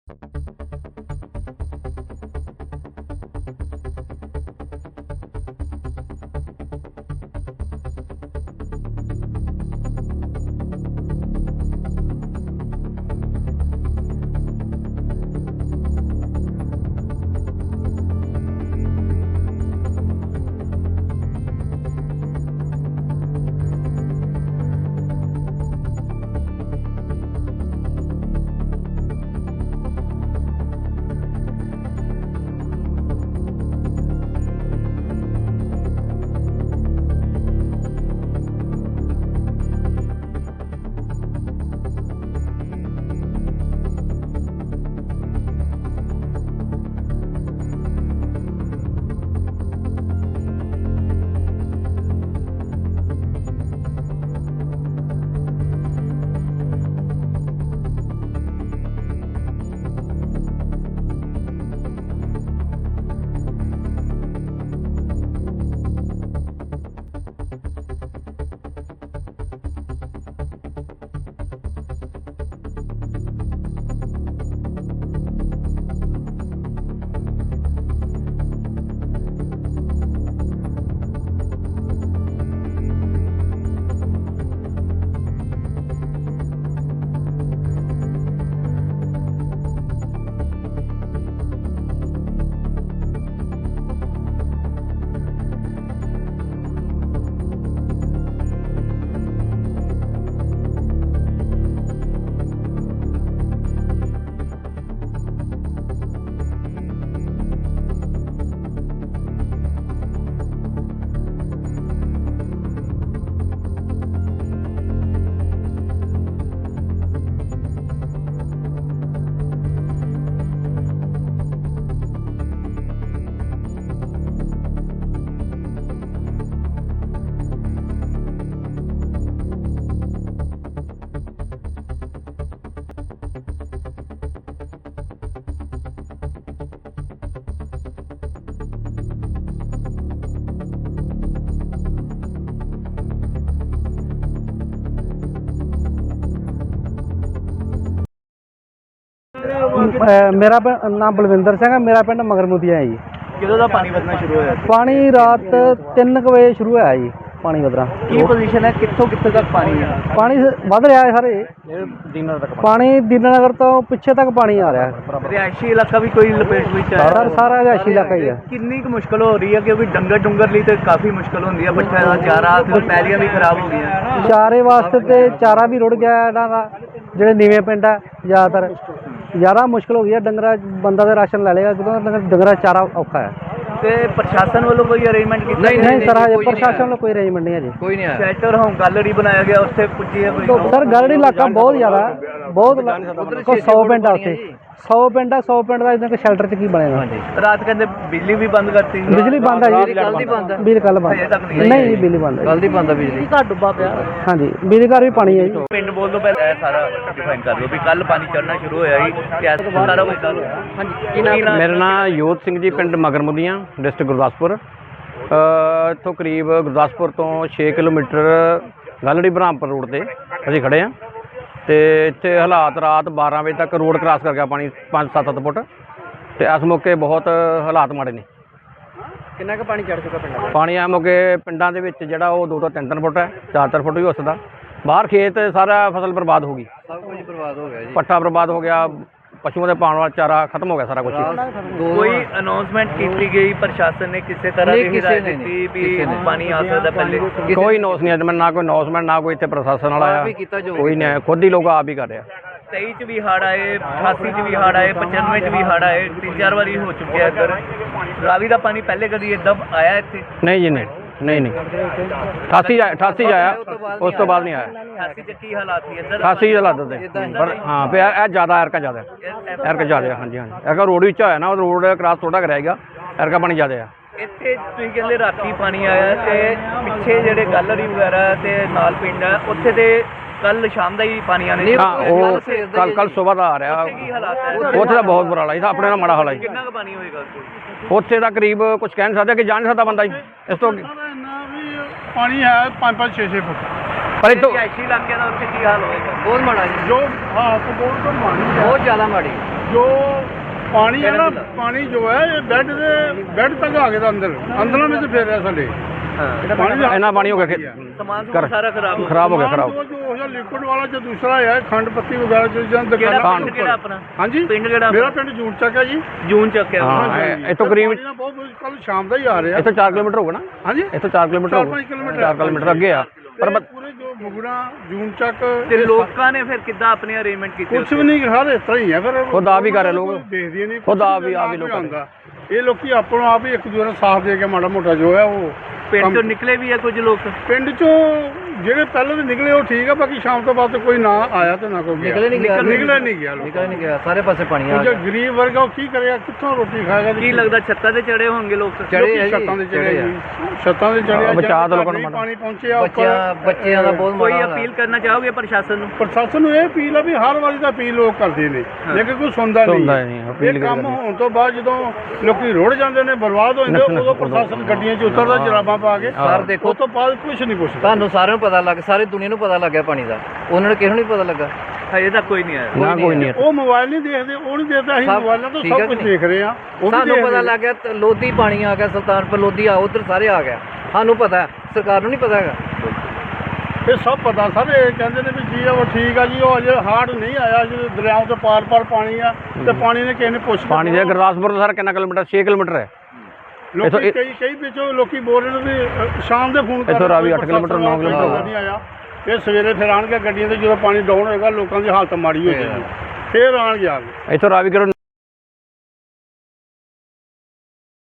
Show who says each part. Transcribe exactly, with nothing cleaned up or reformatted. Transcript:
Speaker 1: मेरा नाम बलविंदर सिंह है। मेरा पिंड मगरमुदिया है जी।
Speaker 2: किदों दा पानी वधना शुरू होया?
Speaker 1: पानी रात तीन कुछ बजे शुरू होया जी पानी वधना।
Speaker 2: की पोजीशन है, कित्थों कित्थे तक पानी है?
Speaker 1: पानी वध रहा है सारे दीनानगर तक। पानी दीनानगर तो पिछे तक पानी आ रहा है।
Speaker 2: रिहायशी इलाका भी कोई लपेट विच है?
Speaker 1: सर सारा रिहायशी इलाका ही है।
Speaker 2: कितनी कुछ मुश्किल हो रही है क्योंकि डंगर डुंगर लिए तो काफ़ी मुश्किल होती है, बच्चा का चारा तो पैलियां भी खराब हो गई।
Speaker 1: चारे वास्ते तो चारा भी रुड़ गया इन्हां दा। ਜਿਹੜੇ ਨੀਵੇਂ ਪਿੰਡ ਆ ਜ਼ਿਆਦਾਤਰ ਜ਼ਿਆਦਾ ਮੁਸ਼ਕਿਲ ਹੋ ਗਈ ਹੈ। ਡੰਗਰਾ ਬੰਦਾ ਤਾਂ ਰਾਸ਼ਨ ਲੈ ਲੇਗਾ ਕਿਉਂਕਿ ਡੰਗਰਾ ਚਾਰਾ ਔਖਾ ਹੈ।
Speaker 2: ਤੇ ਪ੍ਰਸ਼ਾਸਨ ਵੱਲੋਂ ਕੋਈ ਅਰੇਂਜਮੈਂਟ ਕੀਤਾ?
Speaker 1: ਨਹੀਂ ਨਹੀਂ ਸਰ ਹਜੇ ਪ੍ਰਸ਼ਾਸਨ ਵੱਲੋਂ ਕੋਈ ਅਰੇਂਜਮੈਂਟ ਨਹੀਂ ਹੈ ਜੀ।
Speaker 2: ਕੋਈ ਨਹੀਂ ਆਇਆ। ਸ਼ੈਲਟਰ ਹੋਮ ਗੈਲਰੀ ਬਣਾਇਆ ਗਿਆ, ਉੱਥੇ ਪੁੱਜੀ ਹੈ ਕੋਈ?
Speaker 1: ਸਰ ਗੈਲਰੀ ਇਲਾਕਾ ਬਹੁਤ ਜ਼ਿਆਦਾ ਬਹੁਤ ਕੋਈ ਸੌ ਪਿੰਡ ਆ ਉੱਥੇ। सौ पिंड है, सौ पिंड का इतना शैल्टर च की बनेगा।
Speaker 2: रात कहते बिजली भी बंद करती?
Speaker 1: बिजली बंद है जी, बिजली कल बंद नहीं, बिजली बंद है, कल दी बंद है बिजली। घर डुब्बा पिया। हाँ जी, बिजली घर भी पानी है जी।
Speaker 2: पिंड बोल दो पहले सारा डिफाइन कर दो भी कल पानी चढ़ना शुरू होया ही कैसे सारा कुछ कल। हाँ जी,
Speaker 3: मेरा नाम योध सिंह जी, पिंड मगरमुदियां, डिस्ट्रिक्ट गुरदासपुर। इत्थों करीब गुरदासपुर तो छे किलोमीटर गलड़ी बरहामपुर रोड से असीं खड़े हैं। तो इत्थे हालात रात बारह बजे तक रोड क्रॉस कर गया पानी पाँच सत्त सत्त फुट। तो इस मौके बहुत हालात माड़े ने।
Speaker 1: कितना का पानी चढ़ चुका पिंड?
Speaker 3: पानी आ मौके पिंडां दे विच जिहड़ा ओह दो तो तीन तीन फुट है, चार चार फुट भी हो सकदा। बाहर खेत सारा फसल बर्बाद हो गई,
Speaker 1: सब कुछ बर्बाद हो गया जी।
Speaker 3: पट्ठा बर्बाद हो गया, पशुओं के पाने वाला चारा खत्म हो गया सारा कुछ।
Speaker 2: कोई अनाउंसमेंट की गई प्रशासन ने किसी तरह की हिदायत दी भी पानी आ सकता पहले?
Speaker 3: कोई नोस नहीं है, ना कोई अनाउंसमेंट, ना कोई इतने प्रशासन वाला आया, कोई नहीं आया, खुद ही लोग आप ही कर रहे हैं।
Speaker 2: तेई च भी हड़ आए, अठासी च भी हड़ आए, पचानवे च भी हड़ आए, तीन चार बारी हो चुके हैं इधर। रावी का पानी पहले कभी इदा आया इतने?
Speaker 3: नहीं जी, नहीं नहीं नहीं अठासी अठासी आया, उस तो बाद नहीं आया।
Speaker 2: अठासी च की हालात थी इधर?
Speaker 3: अठासी हालात थे पर हाँ पे ज़्यादा एरका ज़्यादा एरका ज़्यादा। हाँ जी हाँ जी, एरका रोड भी होया ना, रोड क्रॉस थोड़ा कराएगा, एरका पानी ज़्यादा है।
Speaker 2: ਇੱਥੇ ਤੁਸੀਂ ਕਹਿੰਦੇ ਰਾਤੀ ਪਾਣੀ ਆਇਆ ਤੇ ਪਿੱਛੇ ਜਿਹੜੇ ਗੈਲਰੀ ਵਗੈਰਾ ਤੇ ਨਾਲ ਪਿੰਡ ਹੈ ਉੱਥੇ ਤੇ ਕੱਲ ਸ਼ਾਮ ਦਾ ਹੀ ਪਾਣੀ ਆने?
Speaker 3: हाँ वो कल कल सुबह का आ रहा।
Speaker 2: ਕੀ ਹਾਲਾਤ ਹੈ
Speaker 3: ਉੱਥੇ ਦਾ ਬਹੁਤ ਬੁਰਾ ਹਾਲ ਹੈ, ਆਪਣੇ ਨਾਲ ਮਾੜਾ ਹਾਲ ਹੈ।
Speaker 2: ਕਿੰਨਾ ਕੁ ਪਾਣੀ ਹੋਏਗਾ
Speaker 3: ਉੱਥੇ ਦਾ ਕਰੀਬ ਕੁਝ ਕਹਿ ਨਹੀਂ ਸਕਦਾ ਕਿ ਜਾ ਨਹੀਂ ਸਕਦਾ ਬੰਦਾ ਜੀ ਇਸ ਤੋਂ।
Speaker 4: ਪਾਣੀ ਹੈ ਪੰਜ ਪੰਜ ਛੇ ਛੇ ਫੁੱਟ
Speaker 3: ਪਰ ਇਹ ਤੋਂ
Speaker 2: ਰਿਹਾਇਸ਼ੀ ਇਲਾਕਿਆਂ ਦਾ ਉੱਥੇ ਕੀ ਹਾਲ ਹੋਏਗਾ?
Speaker 1: बहुत माड़ा जी,
Speaker 4: ਜੋ ਹਾਂ ਬਹੁਤ ਮਾਣੀ
Speaker 1: बहुत ज़्यादा माड़ी।
Speaker 4: ਜੋ ਪਾਣੀ ਹੈ ਨਾ ਪਾਣੀ ਜੋ ਹੈ ਇਹ ਬੈੱਡ ਦੇ ਬੈੱਡ ਤੱਕ ਆ ਗਿਆ ਅੰਦਰ ਅੰਦਰਾਂ ਵਿੱਚ ਫੇਰ ਰਿਹਾ ਸਾਡੇ
Speaker 2: ਹਾਂ
Speaker 4: ਪਾਣੀ ਦਾ
Speaker 3: ਇੰਨਾ ਪਾਣੀ ਹੋ ਗਿਆ ਕਿ
Speaker 2: ਸਮਾਨ
Speaker 3: ਕਰ-
Speaker 2: ਸਾਰਾ ਖਰਾਬ ਹੋ ਗਿਆ।
Speaker 3: ਖਰਾਬ ਹੋ ਗਿਆ ਖਰਾਬ
Speaker 4: ਜੋ ਜੋ ਉਹ ਲਿਕੁਇਡ ਵਾਲਾ ਜੋ ਦੂਸਰਾ ਹੈ ਖੰਡ ਪੱਤੀ ਵਗੈਰਾ ਜੋ ਜਾਂ
Speaker 2: ਕਿਹੜਾ
Speaker 4: ਦੁਕਾਨਾਂ
Speaker 2: ਪਿੰਡ ਕਿਹੜਾ ਆਪਣਾ
Speaker 4: ਹਾਂਜੀ
Speaker 2: ਪਿੰਡ ਕਿਹੜਾ
Speaker 4: ਮੇਰਾ ਪਿੰਡ ਜੂਨ ਚੱਕ ਹੈ ਜੀ
Speaker 2: ਜੂਨ ਚੱਕਿਆ
Speaker 3: ਹਾਂ, ਇਹ- ਇੱਥੋਂ ਕਰੀਬ
Speaker 4: ਪਾਣੀ ਨਾ ਬਹੁਤ ਕੱਲ ਸ਼ਾਮ ਦਾ ਹੀ ਆ ਰਿਹਾ
Speaker 3: ਇੱਥੋਂ ਚਾਰ ਕਿਲੋਮੀਟਰ ਹੋਊਗਾ ਨਾ
Speaker 4: ਹਾਂਜੀ
Speaker 3: ਇੱਥੋਂ ਚਾਰ ਕਿਲੋਮੀਟਰ
Speaker 4: ਚਾਰ
Speaker 3: ਹੋਊਗਾ
Speaker 4: ਪੰਜ ਕਿਲੋਮੀਟਰ
Speaker 3: ਚਾਰ ਕਿਲੋਮੀਟਰ ਅੱਗੇ ਆ ਪਰ ਬ-
Speaker 4: ਪੂਰੇ ਜੋ ਮੁਗੜਾ ਜੂਨ ਚੱਕ
Speaker 2: ਤੇ ਲੋਕਾਂ ਨੇ ਫਿਰ ਕਿੱਦਾਂ ਆਪਣੇ ਅਰੇਂਜਮੈਂਟ ਕੀਤੇ
Speaker 4: ਕੁਛ ਵੀ ਨਹੀਂ ਹਰ ਇਸ ਤਰ੍ਹਾਂ ਹੀ ਹੈ ਫਿਰ
Speaker 3: ਖੁਦ ਆਪ ਹੀ ਕਰ ਰਹੇ ਲੋਕ।
Speaker 4: ਦੇਖਦੇ ਨਹੀਂ
Speaker 3: ਖੁਦ ਆਪ ਹੀ- ਆਪ ਹੀ ਲੋਕ ਕਰ ਰਹੇ।
Speaker 4: ਆਉਂਦਾ ਇਹ ਲੋਕੀ ਆਪਣੋ ਆਪ ਹੀ ਇੱਕ ਦੂਜੇ ਨੂੰ ਸਾਥ ਦੇ ਕੇ ਮਾੜਾ ਮੋਟਾ ਜੋ ਹੈ ਉਹ
Speaker 2: ਪਿੰਡ
Speaker 4: ਕੰਮ-
Speaker 2: ਤੋਂ ਨਿਕਲੇ ਵੀ ਆ ਕੁਝ ਲੋਕ
Speaker 4: ਪਿੰਡ ਚੋਂ ਜਿਹੜੇ ਪਹਿਲਾਂ ਦੇ ਨਿਕਲੇ ਉਹ ਠੀਕ ਆ ਬਾਕੀ ਸ਼ਾਮ ਤੋਂ ਬਾਅਦ ਕੋਈ ਨਾ ਆਇਆ ਤੇ ਨਾ ਕੋਈ ਗਿਆ
Speaker 1: ਨਿਕਲੇ ਨਹੀਂ ਗਿਆ
Speaker 4: ਨਿਕਲੇ ਨਹੀਂ ਗਿਆ ਲੋਕ
Speaker 1: ਨਿਕਲ ਨਹੀਂ ਗਿਆ ਸਾਰੇ ਪਾਸੇ ਪਾਣੀ ਆ
Speaker 4: ਜੋ ਗਰੀਬ ਵਰਗ ਆ ਉਹ ਕੀ ਕਰੇਗਾ ਕਿੱਥੋਂ ਰੋਟੀ ਖਾਏਗਾ ਤੇ
Speaker 2: ਕੀ ਲੱਗਦਾ ਛੱਤਾਂ ਤੇ ਚੜੇ ਹੋਣਗੇ ਲੋਕ
Speaker 1: ਚੜ੍ਹੇ ਆ ਜੀ,
Speaker 4: ਛੱਤਾਂ ਦੇ ਚੜੇ
Speaker 1: ਚੜ੍ਹੇ ਆ।
Speaker 4: ਜੀ ਛੱਤਾਂ ਦੇ ਚੜੇ
Speaker 3: ਹਾਂ, ਬਚਾਅ ਤਾਂ ਲੋਕਾਂ ਨੂੰ
Speaker 4: ਨਹੀਂ
Speaker 3: ਮਾੜਾ।
Speaker 4: ਪਾਣੀ ਪਹੁੰਚਿਆ
Speaker 1: ਬੱਚਿਆਂ ਬੱਚਿਆਂ ਦਾ ਬਹੁਤ
Speaker 2: ਕੋਈ
Speaker 1: ਮਾੜਾ ਹਾਲ
Speaker 2: ਅਪੀਲ ਕਰਨਾ ਚਾਹੋਗੇ ਪ੍ਰਸ਼ਾਸਨ ਨੂੰ
Speaker 4: ਪ੍ਰਸ਼ਾਸਨ ਨੂੰ ਇਹ ਅਪੀਲ ਆ ਵੀ ਹਰ ਵਾਰੀ ਤਾਂ ਅਪੀਲ ਲੋਕ ਕਰਦੇ ਨੇ ਲੇਕਿਨ ਕੋਈ ਸੁਣਦਾ
Speaker 3: ਸੁਣਦਾ
Speaker 4: ਨਹੀਂ
Speaker 3: ਨਹੀਂ, ਅਪੀਲ
Speaker 4: ਇਹ ਕੰਮ
Speaker 3: ਕਰਦੇ।
Speaker 4: ਹੋਣ ਤੋਂ ਬਾਅਦ ਜਦੋਂ ਲੋਕੀ ਰੁੜ ਜਾਂਦੇ ਨੇ ਬਰਬਾਦ ਹੋ ਜਾਂਦੇ
Speaker 3: ਨੱਠ-
Speaker 4: ਉਦੋਂ
Speaker 3: ਨੱਠ-
Speaker 4: ਪ੍ਰਸ਼ਾਸਨ ਗੱਡੀਆਂ 'ਚ ਉਤਰਦਾ ਜਰਾਬਾਂ ਪਾ ਕੇ
Speaker 1: ਸਰ ਦੇਖੋ
Speaker 4: ਉਸ ਤੋਂ ਬਾਅਦ ਕੁਝ ਨਹੀਂ ਪੁੱਛਦਾ
Speaker 1: ਤੁਹਾਨੂੰ ਸਾਰਿਆਂ ਨੂੰ ਪਤਾ ਲੱਗ ਸਾਰੀ ਦੁਨੀਆ ਨੂੰ ਪਤਾ ਲੱਗ ਗਿਆ ਪਾਣੀ ਦਾ ਉਹਨਾਂ ਨੂੰ ਕਿਸੇ ਨੂੰ ਨਹੀਂ ਪਤਾ ਲੱਗਾ
Speaker 2: ਹਜੇ ਤੱਕ ਕੋਈ ਨਹੀਂ ਆਇਆ
Speaker 3: ਨਾ ਕੋਈ ਨਹੀਂ
Speaker 4: ਉਹ ਮੋਬਾਈਲ ਨਹੀਂ ਦੇਖਦੇ ਉਹ ਨਹੀਂ ਦੇਖਦਾ ਅਸੀਂ
Speaker 1: ਸਭ
Speaker 4: ਮੋਬਾਈਲਾਂ ਤੋਂ
Speaker 1: ਠੀਕ ਹੈ
Speaker 4: ਸਭ ਕੁਝ
Speaker 1: ਕਿ ਨਹੀਂ?
Speaker 4: ਦੇਖ ਰਹੇ ਆ ਉਹ ਵੀ
Speaker 1: ਸਾਨੂੰ
Speaker 4: ਦੇਖਦੇ
Speaker 1: ਪਤਾ
Speaker 4: ਨੇ।
Speaker 1: ਲੱਗ ਗਿਆ ਤੇ ਲੋਧੀ ਪਾਣੀ ਆ ਗਿਆ ਸੁਲਤਾਨਪੁਰ ਲੋਧੀ ਆ ਉਧਰ ਸਾਰੇ ਆ ਗਿਆ ਸਾਨੂੰ ਪਤਾ ਹੈ, ਸਰਕਾਰ ਨੂੰ ਨਹੀਂ ਪਤਾ ਹੈਗਾ
Speaker 4: ਇਹ ਸਭ ਪਤਾ ਸਰ ਇਹ ਕਹਿੰਦੇ ਨੇ ਵੀ ਜੀ ਉਹ ਠੀਕ ਆ ਜੀ ਉਹ ਅਜੇ ਹਾਰਡ ਨਹੀਂ ਆਇਆ ਜੀ ਦਰਿਆਵਾਂ ਤੋਂ ਪਾਰ ਪਾਰ ਪਾਣੀ ਆ ਤੇ ਪਾਣੀ ਨੇ ਕਿਸੇ ਨੇ ਪੁੱਛ
Speaker 3: ਪਾਣੀ ਦੇ ਗੁਰਦਾਸਪੁਰ ਤੋਂ ਸਰ ਕਿੰਨਾ ਕਿਲੋਮੀਟਰ ਛੇ ਕਿਲੋਮੀਟਰ ਹੈ
Speaker 4: ਲੋਕੀ
Speaker 3: ਇੱਥੋਂ-
Speaker 4: ਕਈ ਕਈ ਵਿੱਚੋਂ ਲੋਕੀ ਬੋਲ ਰਹੇ ਨੇ ਵੀ ਅ, ਸ਼ਾਮ ਦੇ ਫੋਨ ਕਰ
Speaker 3: ਇੱਥੋਂ ਰਾਵੀ
Speaker 4: ਕੋਈ
Speaker 3: ਅੱਠ ਕਿਲੋਮੀਟਰ, ਨੌ
Speaker 4: ਪ੍ਰਸ਼ਾਸਨ ਵਾਲਾ
Speaker 3: ਕਿਲੋਮੀਟਰ
Speaker 4: ਨਹੀਂ ਆਇਆ ਇਹ ਸਵੇਰੇ ਫਿਰ ਆਣਗੇ ਗੱਡੀਆਂ ਤੇ ਜਦੋਂ ਪਾਣੀ ਡਾਊਨ ਹੋਏਗਾ ਲੋਕਾਂ ਦੀ ਹਾਲਤ ਮਾੜੀ ਹੋ ਜਾਏਗੀ ਫਿਰ ਆਣਗੇ ਆ ਕੇ
Speaker 3: ਇੱਥੋਂ ਰਾਵੀ ਕਰੋ